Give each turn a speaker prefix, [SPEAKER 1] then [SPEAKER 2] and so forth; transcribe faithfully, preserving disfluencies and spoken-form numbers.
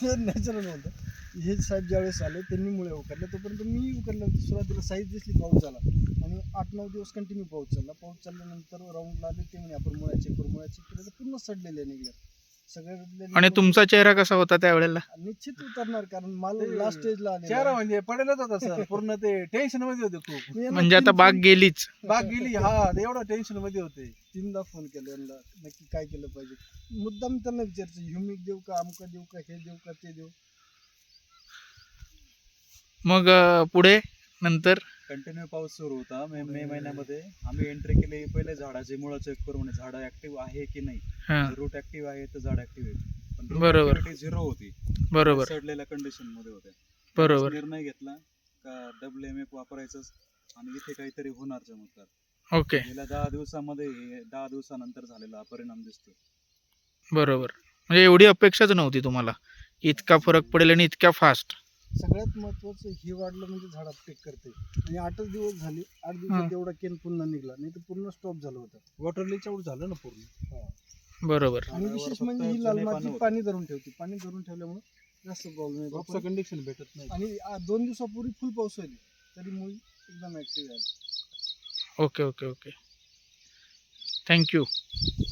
[SPEAKER 1] Natural होतं. हे साहेब ज्यावेळेस आले त्यांनी मुळे उकरले, तोपर्यंत मी उकरलं. सुरुवातीला साईज दिसली, पाऊस झाला आणि आठ नऊ दिवस कंटिन्यू पाऊस चालला. पाऊस चालल्यानंतर राऊंडला आले ते म्हणे आपण मुळ्या चेक करू. मुळ्या चेक केलं तर पूर्ण सडलेले निघले सगळ्यातले.
[SPEAKER 2] आणि तुमचा चेहरा कसा होता त्यावेळेला?
[SPEAKER 1] निश्चित उतरणार, कारण माल
[SPEAKER 3] ते
[SPEAKER 1] लास्ट स्टेजला आले.
[SPEAKER 3] चेहरा म्हणजे पडेलच होता सर, पूर्ण ते टेन्शन मध्ये होते खूप.
[SPEAKER 2] म्हणजे आता बाग गेलीच.
[SPEAKER 3] बाग गेली, हा एवढं टेन्शन मध्ये होते.
[SPEAKER 1] तीनदा फोन केला यांना, नक्की काय केलं पाहिजे. मुद्दाम त्यांना विचारायचं, ह्युमिक देऊ का, अमुका देऊ का, हे देऊ का, ते देऊ.
[SPEAKER 2] मग अं, पुढे नंतर
[SPEAKER 4] कंटिन्यू पाऊस सुरू होता. मे मे महिन्यामध्ये आम्ही एंट्री केली. पहिले झाडाची मुळं चेक करू, म्हणजे झाडं ऍक्टिव्ह आहे की नाही.
[SPEAKER 2] हा
[SPEAKER 4] रूट ऍक्टिव्ह आहे तर झाड ऍक्टिव्ह आहे, पण
[SPEAKER 2] बरोबर.
[SPEAKER 4] झिरो होती.
[SPEAKER 2] बरोबर
[SPEAKER 4] सडलेल्या कंडिशन मध्ये होते.
[SPEAKER 2] बरोबर.
[SPEAKER 4] निर्णय घेतला का डब्ल्यू एम एफ वापरायचं आणि इथे काहीतरी होणार चमत्कार.
[SPEAKER 2] ओके
[SPEAKER 4] गेल्या दहा दिवसामध्ये हे दहा दिवसानंतर झालेला हा परिणाम दिसतो.
[SPEAKER 2] बरोबर. म्हणजे एवढी अपेक्षाच नव्हती तुम्हाला इतका फरक पडेल आणि इतक्या फास्ट.
[SPEAKER 1] सगळ्यात महत्वाचं हे वाढलं म्हणजे झाडात पीक करते. आणि आठच दिवस झाले, आठ
[SPEAKER 2] हा.
[SPEAKER 1] दिवसात एवढा केन पुन्हा निघला, नाही तर पूर्ण स्टॉप झालं होतं.
[SPEAKER 3] वॉटर लीच आउट झालं ना पूर्ण.
[SPEAKER 2] बरोबर.
[SPEAKER 1] आणि
[SPEAKER 4] झाडावर
[SPEAKER 1] विशेष
[SPEAKER 4] फक्त
[SPEAKER 1] म्हणजे ही
[SPEAKER 4] जुने
[SPEAKER 1] लाल
[SPEAKER 4] पानं
[SPEAKER 1] माती
[SPEAKER 4] होती.
[SPEAKER 1] पाणी धरून ठेवते. पाणी धरून ठेवल्यामुळे जास्त प्रॉब्लेम
[SPEAKER 3] क्रॉपचं
[SPEAKER 1] येतो.
[SPEAKER 3] कंडिशन भेटत नाही.
[SPEAKER 1] आणि आ- दोन दिवसापूर्वी फुल पाऊस होईल तरी मुळी एकदम ऍक्टिव्ह आहे.
[SPEAKER 2] Okay okay okay thank you.